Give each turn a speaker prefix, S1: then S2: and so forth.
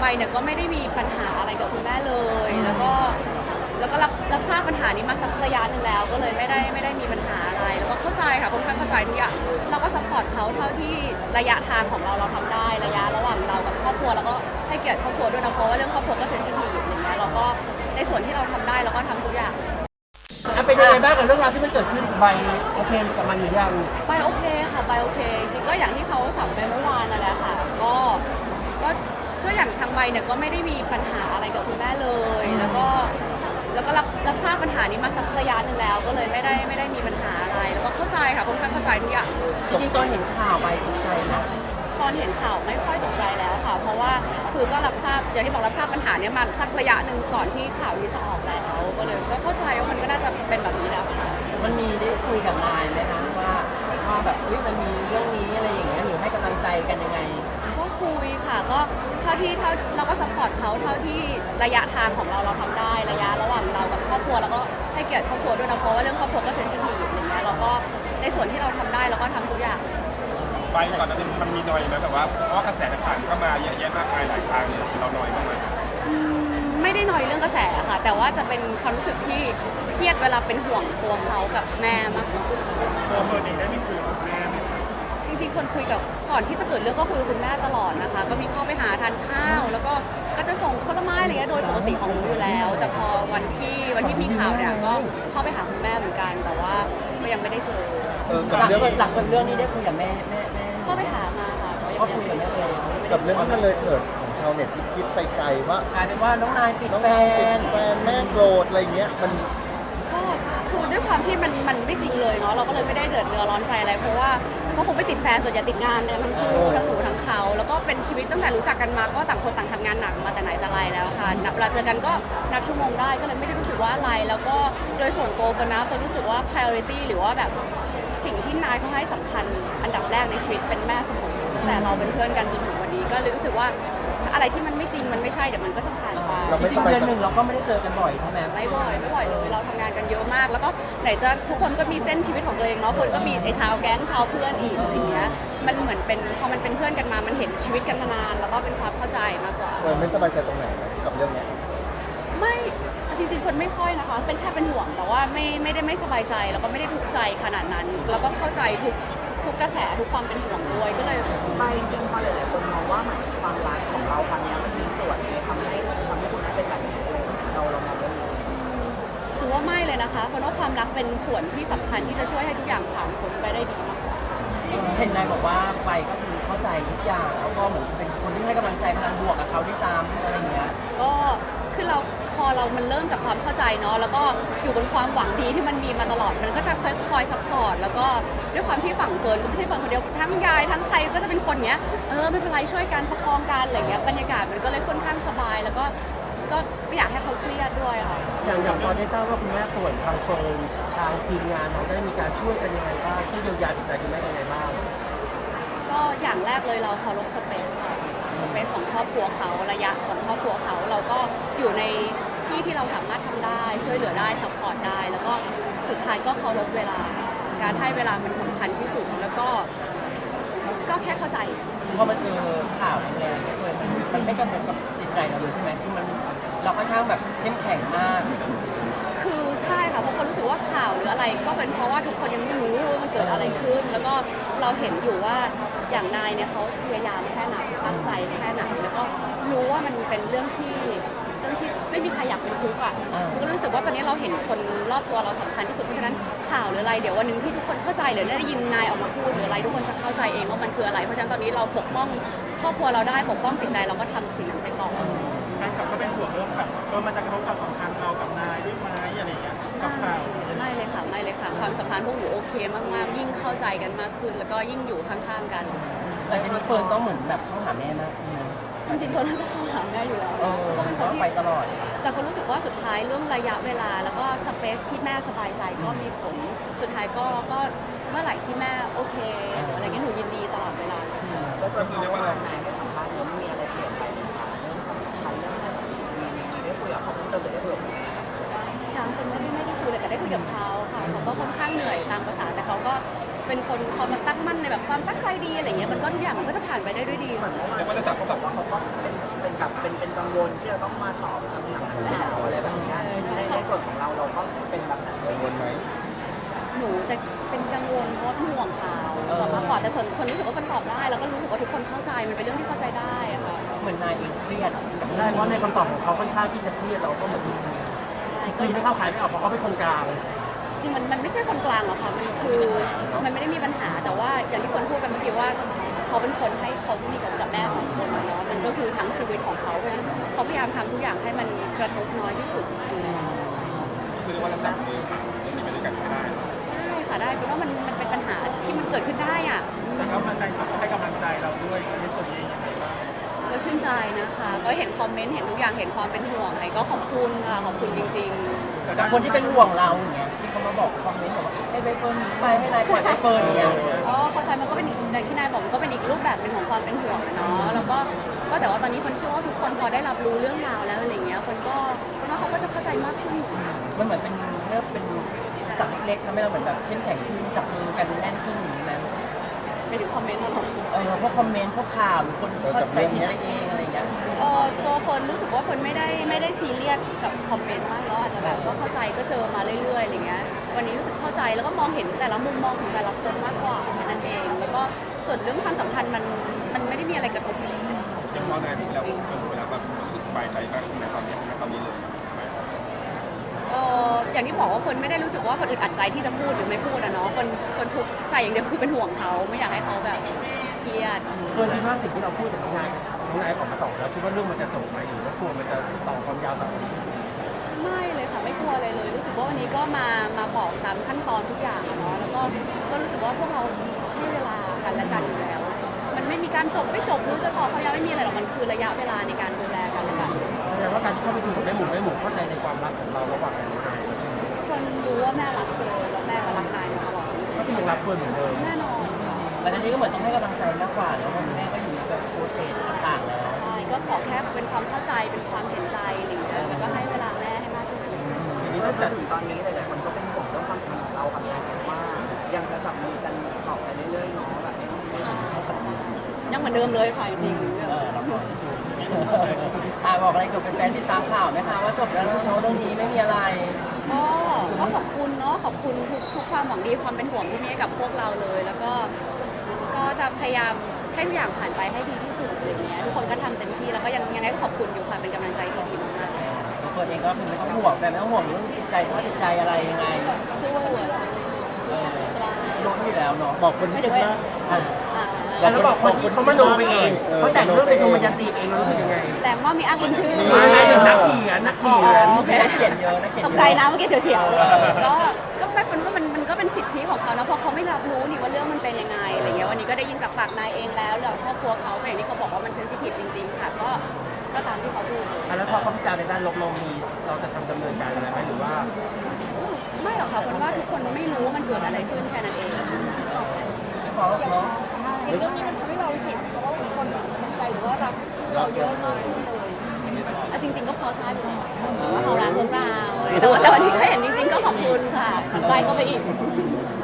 S1: เนี่ยก็ไม่ได้มีปัญหาอะไรกับคุณแม่เลยแล้วก็รับทราบปัญหานี้มาสักระยะหนึ่งแล้วก็เลยไม่ได้มีปัญหาอะไรแล้วก็เข้าใจค่ะค่อนข้างเข้าใจทุกอย่างเราก็ซัพพอร์ตเขาเท่าที่ระยะทางของเราทำได้ระยะระหว่างเรากับครอบครัวแล้วก็ให้เกียรติครอบครัวด้วยนะเพราะว่าเรื่องครอบครัวก็เซนซิทีฟอย่างเงี้ยเราก็ในส่วนที่เราทำได้เราก็ทำทุกอย่าง
S2: เป็นยังไงบ้างกับเรื่องราวที่มันเกิดขึ้นใบโอเคกับมันหรือยัง
S1: ใบโอเคค่ะใบโอเคจริงๆก็อย่างที่เขาสัมไปเมื่อวานนั่นแหละค่ะก็อย่างทางใบเนี่ยก็ไม่ได้มีปัญหาอะไรกับคุณแม่เลยแล้วก็รับทราบปัญหานี้มาสักระยะหนึ่งแล้วก็เลยไม่ได้มีปัญหาอะไรแล้วก็เข้าใจค่ะค่อนข้างเข้าใจทุกอย่าง
S2: จริงๆตอนเห็นข่าวใบตกใจนะ
S1: ตอนเห็นข่าวไม่ค่อยตกใจแล้วค่ะเพราะว่าคือก็รับทราบอย่างที่บอกรับทราบปัญหานี้มาสักระยะหนึ่งก่อนที่ข่าวนี้จะออกแล้วก็เลยก็เข้าใจว่ามันก็น่าจะเป็นแบบนี้แล้ว
S2: มันมีได้คุยกับนายไหมคะว่าแบบมันมีเรื่องนี้อะไรอย่างเงี้ยหรือให้กำลังใจกันยังไง
S1: ก็คุยค่ะก็เท่าเราก็ซัพพอร์ตเขาเท่าที่ระยะทางของเราทำได้ระยะระหว่างเรากับครอบครัวแล้วก็ให้เกียรติครอบครัวด้วยนะเพราะว่าเรื่องครอบครัวก็เซนซิทีฟอย่างเงี้ยเราก็ในส่วนที่เราทำได้เราก็ทำทุกอย่าง
S3: ไปก่อนหน้านี้มันมีนอยไหมแบบว่าเพราะกระแสต่างๆก็มาเยอะแยะมากมายหลายทางเนี่ยเรานอยบ้างไหม
S1: ไม่ได้นอยเรื่องกระแสค่ะแต่ว่าจะเป็นความรู้สึกที่เครียดเวลาเป็นห่วงตัวเขากับแม่มากกว่า
S3: ตัวเฟิร์นเองได้มีคุยกับแม่ไหม
S1: จริงๆคนคุยกับก่อนที่จะเกิดเรื่องก็คุยกับคุณแม่ตลอดนะคะก็มีเข้าไปหาทานข้าวแล้วก็จะส่งผลไม้อะไรเงี้ยโดยปกติของหนูอยู่แล้วแต่พอวันที่มีข่าวเนี่ยก็เข้าไปหาคุณแม่เหมือนกันแต่ว่าก็ยังไม่ได้เจอ
S2: หลังเรื่องนี้ได้คุยกับแม่
S1: เข้าไปหามาค่ะ
S2: ก็คุยกับแม่เลย
S4: กับเรื่องที่มันเลยเถิดของชาวเน็ตที่คิดไปไกลว่าก
S2: ลายเป็นว่าน้องนายติดแฟน
S4: แม่โกรธอะไรเงี้ยมัน
S1: ก็คือด้วยความที่มันไม่จริงเลยเนาะเราก็เลยไม่ได้เดือดร้อนใจอะไรเพราะว่าก็คงไม่ติดแฟนส่วนใหญ่ติดงานเนี่ยทั้งคู่ทั้งหนูทั้งเขาแล้วก็เป็นชีวิตตั้งแต่รู้จักกันมาก็ต่างคนต่างทำงานหนักมาแต่ไหนแต่ไรแล้วค่ะเวลาเจอกันก็นับชั่วโมงได้ก็เลยไม่ได้รู้สึกว่าอะไรแล้วก็โดยส่วนตัวคนรู้สึกว่า priority หรือว่าแบบสิ่งที่นายเขาให้สำคัญอันดับแรกในชีวิตเป็นแม่เสมอตั้งแต่เราเป็นเพื่อนกันจนถึงวันนี้ก็เลยรู้สึกว่าอะไรที่มันไม่จริงมันไม่ใช่เดี๋ยวมันก็จะผ่านไป
S2: จริงๆเดือนหนึ่งเราก็ไม่ได้เจอกันบ่อยใช่ไหม
S1: ไม่บ่อยเลยเราทำงานกันเยอะมากแล้วก็ไหนจะทุกคนก็มีเส้นชีวิตของตัวเองเนาะคนก็มีไอ้ชาวแก๊งชาวเพื่อนอีกอะไรเงี้ยมันเหมือนเป็นพอมันเป็นเพื่อนกันมามันเห็นชีวิตกันมานานแล้วก็เป็นความเข้าใจมากกว่า
S4: ไม่สบายใจตรงไหนกับเรื่องนี้
S1: ไม่จริงๆคนไม่ค่อยนะคะเป็นแค่เป็นห่วงแต่ว่าไม่ได้ไม่สบายใจแล้วก็ไม่ได้ทุกข์ใจขนาดนั้นแล้วก็เข้าใจทุกกระแสทุกความเป็นห่วงด้วยก็เลย
S2: ไม่จริงพอหลายๆคนมองว่าความรักของเราครั้งนี้มันมีส่วนในทำให้คุณแม่เป็นแบบนี้เรามองว่า
S1: ถือว่าไม่เลยนะคะเพราะว่าความรักเป็นส่วนที่สำคัญที่จะช่วยให้ทุกอย่างผ่านพ้นไปได้ดีมากกว่า
S2: เห็นนายบอกว่าไปก็คือเข้าใจทุกอย่างแล้วก็เหมือนเป็นคนที่ให้กำลังใจพลังบวกกับเขาด้วยซ้ำอะไรอย่างเงี้ย
S1: ก็คือพอเรามันเริ่มจากความเข้าใจเนาะแล้วก็อยู่บนความหวังดีที่มันมีมาตลอดมันก็จะคอยซัพพอร์ตแล้วก็ด้วยความที่ฝั่งเฟิร์นก็ไม่ใช่เฟิร์นคนเดียวทั้งยายทั้งใครก็จะเป็นคนเนี้ยไม่เป็นไรช่วยกันประคองกันอะไรเงี้ยบรรยากาศมันก็เลยค่อนข้างสบายแล้วก็ไม่อยากให้เขาเครียดด้วยค่ะ
S2: อย่างพอได้ทราบว่าคุณแม่ป่วยทางเฟิร์นทางทีมงานเขาได้มีการช่วยกันยังไงบ้างที่เยียวยาจิตใจคุณแม่ยังไงบ้าง
S1: ก็อย่างแรกเลยเราเคารพสเปซค่ะสเปซของครอบครัวเขาระยะของครอบครัวเขาเราก็อยู่ในที่เราสามารถทำได้ช่วยเหลือได้ซัพพอร์ตได้แล้วก็สุดท้ายก็เคารพเวลาการให้เวลามันสำคัญที่สุดแล้วก็แค่เข้าใจ
S2: พอมันเจอข่าวแรงๆเลยมันไม่กระทบกับจิตใจเราเลยใช่ไหมที่มันเราค่อนข้างแบบเข้มแข็งมาก
S1: คือใช่ค่ะเพราะคนรู้สึกว่าข่าวหรืออะไรก็เป็นเพราะว่าทุกคนยังไม่รู้ว่ามันเกิดอะไรขึ้นแล้วก็เราเห็นอยู่ว่าอย่างนายเนี่ยเขาพยายามแค่ไหนตั้งใจแค่ไหนแล้วก็รู้ว่ามันเป็นเรื่องที่ไม่มีใครอยากเป็นทุกข์อ่ะก็รู้สึกว่าตอนนี้เราเห็นคนรอบตัวเราสำคัญที่สุดเพราะฉะนั้นข่าวหรืออะไรเดี๋ยววันนึงที่ทุกคนเข้าใจหรือได้ยินนายออกมาพูดหรืออะไรทุกคนจะเข้าใจเองว่ามันคืออะไรเพราะฉะนั้นตอนนี้เราปกป้องครอบครัวเราได้ปกป้องสิ่งใดเราก็ทำสิ่งนั้นไปก่อน
S3: แฟนคลับก็เป็นห่วงเรื่องแบบมันจะกระทบความสัมพันธ์เรากับนายด้วยไหมอะไรอย่างเงี้ยกับข่าว
S1: ไม่เลยค่ะความสัมพันธ์พวกหนูโอเคมากๆยิ่งเข้าใจกันมากขึ้นแล้วก็ยิ่งอยู่ข้างๆกัน
S2: หลังจากนี้เฟิร์นต้องเหมือนแบบเข้าหาแม่มากขึ้นนะ
S1: จริงๆคนก็เข้าหาแม่อยู่แล้ว
S2: ก็ไปตลอด
S1: แต่คนรู้สึกว่าสุดท้ายเรื่องระยะเวลาแล้วก็สเปซที่แม่สบายใจก็มีผลสุดท้ายก็เมื่อไหร่ที่แม่โอเคอะไรเงี้ยหนูยินดีตลอดเวลา
S2: ก็คือเรียกว่าอะไรให้สัมภาษณ์แล้วมีอะไรเปลี่ยนไปไหมคะเรื่องความสัมพันธ์เรื่องอะไรแบบนี้มีได้คุยกับเขาเพิ่มเติมได้คุยกับ
S1: ยังคนไม่ได้คุยเลยแต่ได้คุยกับเขาค่ะเขาก็ค่อนข้างเหนื่อยตามภาษาแต่เขาก็เป็นคนเขามาตั้งมั่นในแบบความตั้งใจดีอะไรเงี้ยมันก็ทุกอย่างมันก็จะผ่านไปได้ด้วยดี
S3: เรียกว่าจะจับว่าเขาก็เป็น
S5: กับเป็นกังวลที่จะต้องมาตอบคำถามข่าวอะไรแบบนี้ในส่วนของเราก็เป็นแบบนั้น
S4: กังวลไหม
S1: หนูจะเป็นกังวลเพราะว่าเป็นห่วงเขาจะมากกว่าแต่คนรู้สึกว่าคนตอบได้ แล้วก็รู้สึกว่าทุกคนเข้าใจมันเป็นเรื่องที่เข้าใจได้อะค่ะ
S2: เหมือนนายเองเครียดกับ
S5: ใช่เพราะในคำตอบของเขาค่อนข้างที่จะเครียดเราก็เหมือน
S1: ใช่ก็
S5: คือไม่เข้าขายไม่ออกเพราะเขาเป็นคนกลาง
S1: จริงมันไม่ใช่คนกลางหรอกค่ะมันคือมันไม่ได้มีปัญหาแต่ว่าอย่างที่คนพูดกันเมื่อกี้ว่าเขาเป็นคนให้เขามีกับแม่ของคนอะเนาะมันก็คือทั้งชีวิตของเขาเพราะฉะนั้นเขาพยายามทำทุกอย่างให้มันกระทบน้อยที่สุด
S3: คือเรียกว่าเราจับมือเรื่องนี้ไปด้วยกันไม่ได้
S1: ได้ค่ะได้เพราะว่ามันเป็นปัญหาที่มันเกิดขึ้นได้อ่ะ
S5: แต่ก็มันให้กำลังใจเราด้วยในส่วนนี้ยังไงบ้าง
S1: ก็ชื่นใจนะคะ ก็เห็นคอมเมนต์เห็นทุกอย่างเห็นความเป็นห่วงอะไรก็ขอบคุณค่ะขอบคุณจริง
S2: กับคนที่เป็นห่วงเราอย่างเงี้ยที่เขามาบอกคอมเมนต์บอกว่าให้ใบเฟิร์นหนีไปให้นายปล่อยใบเฟิร์นอย่างเงี้ย
S1: ๆก็เข้าใจมันก็เป็นอีกอย่างที่นายบอกมันก็เป็นอีกรูปแบบหนึ่งของความเป็นห่วงอะเนาะแล้วก็แต่ว่าตอนนี้คนเชื่อว่าทุกคนพอได้รับรู้เรื่องราวแล้วอะไรเงี้ยคนว่าเขาก็จะเข้าใจมากขึ้น
S2: มันเหมือนเป็นเรียกเป็นสัตว์เล็กๆทำให้เราเหมือนแบบเข้มแข็งขึ้นจับมือกันแน่นขึ้นอย่างนี้ไหม
S1: ไปถึงคอมเมนต์อะไร
S2: พวกคอมเมนต์พวกข่าวหรือคนเข้าใจผิดไปเองอะไรอย่างเงี้ย
S1: ตัวเฟิร์นรู้สึกว่าเฟิร์นไม่ได้ซีเรียสกับคอมเมนต์มากแล้วอาจจะแบบว่าเข้าใจก็เจอมาเรื่อยๆอะไรเงี้ยวันนี้รู้สึกเข้าใจแล้วก็มองเห็นแต่ละมุมมองของแต่ละคนมากกว่าแค่นั้นเองแล้วก็ส่วนเรื่องความสัมพันธ์มันไม่ได้มีอะไรกระทบเลย
S3: อย่างพอนายพูดแล้วคนพูดแล้วแบบรู้สึกสบายใจมากขึ้นในตอนนี้เลยใช่ไหม
S1: อย่างที่บอกว่าเฟิร์นไม่ได้รู้สึกว่าเฟิร์นอึดอัดใจที่จะพูดหรือไม่พูดอะเนาะเฟิร์นทุกข์ใจอย่างเดียวคือเป็นห่วงเขาไม่อยากให้เขาแบบเครียด
S5: เพื่อนคิดว่าสิ่งที่เราพูดกับน้องนายออกมาตอบแล้วคิดว่าเรื่องมันจะจบไหมหรือว่ากลัวมันจะต่อความยาวสัก
S1: ไม่เลยค่ะไม่กลัวอะไรเลย รู้สึกว่าวันนี้ก็มาบอกตามขั้นตอนทุกอย่างอะเนาะแล้วก็รู้สึกว่าพวกเราให้เวลากันและกันอยู่แล้ว มันไม่มีการจบไม่จบหรือจะต่อเขายาวไม่มีอะไรหรอกมันคือระยะเวลาในการดูแลกันและกัน
S5: แสดงว่าการที่เข้าไปคุยกับแม่หมูเข้าใจในความรักของเราระหว่างกันนาย
S1: คนรู้ว่าแม่รักเฟิร์นแล้วแม่ก็รักนายมาตลอดจริง
S5: ก็คือยังรักเพื่อนเหมือนเดิม
S1: ๆแน่นอนค่ะ
S2: แต่ทีนี้ก็เหมือนต้องให้กำลังใจมากกว่าเนอะเพราะคุณแม่ก็อยู่ในแบบโปรเซสต่างๆแล้ว
S1: ใช่ก็ขอแค่เป็นความเข้าใจเป็นความเห็นใจอะไรอย่างเงี้ยแล้วก็ให้เวลาแม่ให้มากที่สุด
S5: ทีนี้ตั้งแต่ถึงตอนนี้หลายๆคนก็เป็นห่วงเรื่องความสัมพันธ์ของเรากับนายว่ายังจะจับมือกันต่อไปเรื่อยๆเนาะแบบนี้
S1: ยังเหมือนเดิมเลยค่ะจริง
S2: บอกอะไรกับแฟนๆติดตามข่าวไหมคะว่าจบแล้วเนาะเรื่องนี้ไม่มีอะไร
S1: ๆก็ขอบคุณเนาะขอบคุณทุกความหวังดีความเป็นห่วงที่มีให้กับพวกเราเลย แล้วก็จะพยายามให้ทุกอย่างผ่านไปให้ดีที่สุดอะไรเงี้ยทุกคนก็ทำเต็มที่แล้วก็ยังไงก็ขอบคุณอยู่ค่ะเป็นกำลังใจที่ดีมากๆเลย
S2: ตัวเฟิร์นเองก็คือไม่ต้องห่วงแต่ไม่ต้องห่วงเรื่องจิตใจสภาพจิตใจอะไรยังไง
S1: สู้อะสบาย
S2: รู้อยู่แล้วเนาะ
S4: บอกคนที่คิดมาก
S5: แล้วบอกคนที่เขามโนไปเองเขาแต่งเรื่องเป็นธรรมยันตีเองเรารู้สึกยังไง
S1: แรงว่ามีอ้างอิงชื่อ
S5: มาไงนักเขียน
S2: นักเขียนเยอะนักเขียน
S1: ตกใจนะเมื่อกี้เสียวๆก็ไม่ฝันว่ามันก็เป็นสิทธิของเขานะเพราะเขาไม่รับรู้นี่ว่าเรื่องมันเป็นยังไงอะไรเงี้ยวันนี้ก็ได้ยินจากปากนายเองแล้วเรื่องครอบครัวเขาก็อย่างที่เขาบอกว่ามันเซนซิทีฟจริงๆค่ะก็ตามที่เขาพูด
S5: แล้วพอเขาพิจารณาในด้านลบเราจะทำดำเนินการอะไรไหมหรือว่า
S1: ไม่หรอกค่ะคนว่าทุกคนไม่รู้ว่ามันเกิดอะไรขึ้นแค่นั้นเอง
S2: ขอเนาะ
S6: เรื่องนี้มันทำให้เราเห็นเพราะว่าคนสนใจหรือว่ารักเราเยอะมากขึ้นเลย
S1: จริงๆก็พอทราบอยู่แล้วว่าเขารักพวกเราแต่วันนี้ก็เห็นจริงๆก็ขอบคุณค่ะไปก็ไปอีก